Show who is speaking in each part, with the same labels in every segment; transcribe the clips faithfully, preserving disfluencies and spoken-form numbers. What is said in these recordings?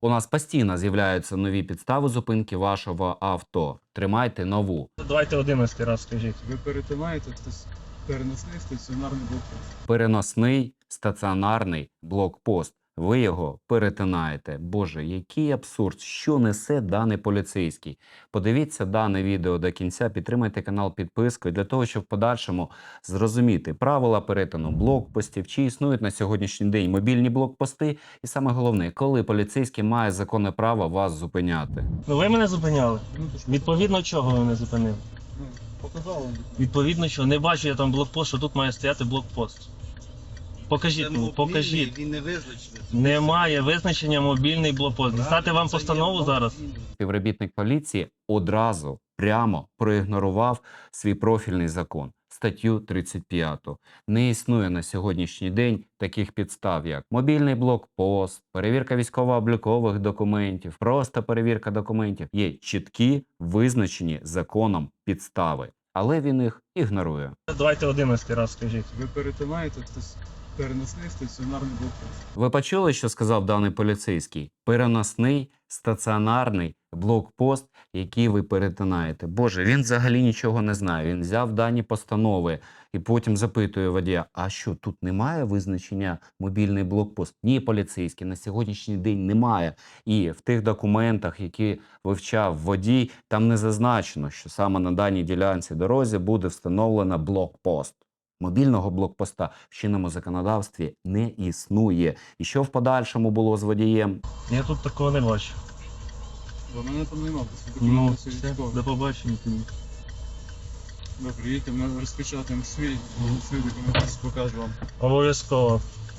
Speaker 1: У нас постійно з'являються нові підстави зупинки вашого авто. Тримайте нову.
Speaker 2: Давайте одинадцятий раз скажіть.
Speaker 3: Ви перетинаєте стас- переносний стаціонарний блокпост.
Speaker 1: Переносний стаціонарний блокпост. Ви його перетинаєте. Боже, який абсурд! Що несе даний поліцейський? Подивіться дане відео до кінця, підтримайте канал підпискою для того, щоб в подальшому зрозуміти правила перетину блокпостів, чи існують на сьогоднішній день мобільні блокпости, і саме головне, коли поліцейський має законне право вас зупиняти.
Speaker 2: Ну ви мене зупиняли.
Speaker 3: Ну, то ж,
Speaker 2: Відповідно чого ви мене зупинили?
Speaker 3: ну, показав вам.
Speaker 2: Відповідно чого? Не бачу я там блокпост, що тут має стояти блокпост. Покажіть мені, покажіть.
Speaker 4: Він не визначений.
Speaker 2: Немає визначення мобільний блокпост. Дістати вам
Speaker 4: Це є
Speaker 2: постанову зараз?
Speaker 4: мобільний.
Speaker 1: Співробітник поліції одразу прямо проігнорував свій профільний закон, статтю тридцять п'яту. Не існує на сьогоднішній день таких підстав, як мобільний блокпост, перевірка військово-облікових документів, просто перевірка документів. Є чіткі, визначені законом підстави, але він їх ігнорує.
Speaker 2: Давайте одинадцятий раз скажіть.
Speaker 3: Ви перетинаєте стас- переносний стаціонарний блокпост.
Speaker 1: Ви почули, що сказав даний поліцейський? Переносний стаціонарний блокпост, який ви перетинаєте. Боже, він взагалі нічого не знає. Він взяв дані постанови і потім запитує водія, а що, тут немає визначення мобільний блокпост? Ні, поліцейський, на сьогоднішній день немає. І в тих документах, які вивчав водій, там не зазначено, що саме на даній ділянці дорозі буде встановлено блокпост. Мобільного блокпоста в чинному законодавстві не існує. І що в подальшому було з водієм?
Speaker 2: Я тут такого не бачу.
Speaker 3: Бо мене там нема, бо
Speaker 2: Ну,
Speaker 3: документи
Speaker 2: все,
Speaker 3: всі військові.
Speaker 2: до побачення.
Speaker 3: Добре, їдьте, ми розпечатаємо свій, свій документ, покажу вам.
Speaker 2: Обов'язково.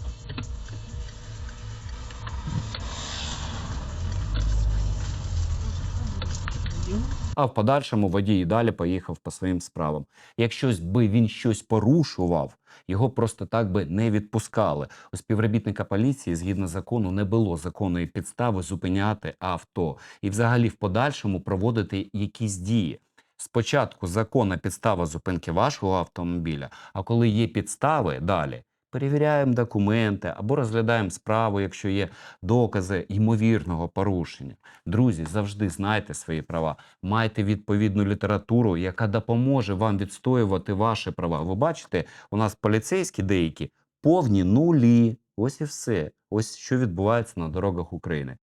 Speaker 1: А в подальшому водій і далі поїхав по своїм справам. Якщо би він щось порушував, його просто так би не відпускали. У співробітника поліції, згідно закону, не було законної підстави зупиняти авто. І взагалі в подальшому проводити якісь дії. Спочатку законна підстава зупинки вашого автомобіля, а коли є підстави, далі перевіряємо документи або розглядаємо справу, якщо є докази ймовірного порушення. Друзі, завжди знайте свої права, майте відповідну літературу, яка допоможе вам відстоювати ваші права. Ви бачите, у нас поліцейські деякі повні нулі. Ось і все. Ось що відбувається на дорогах України.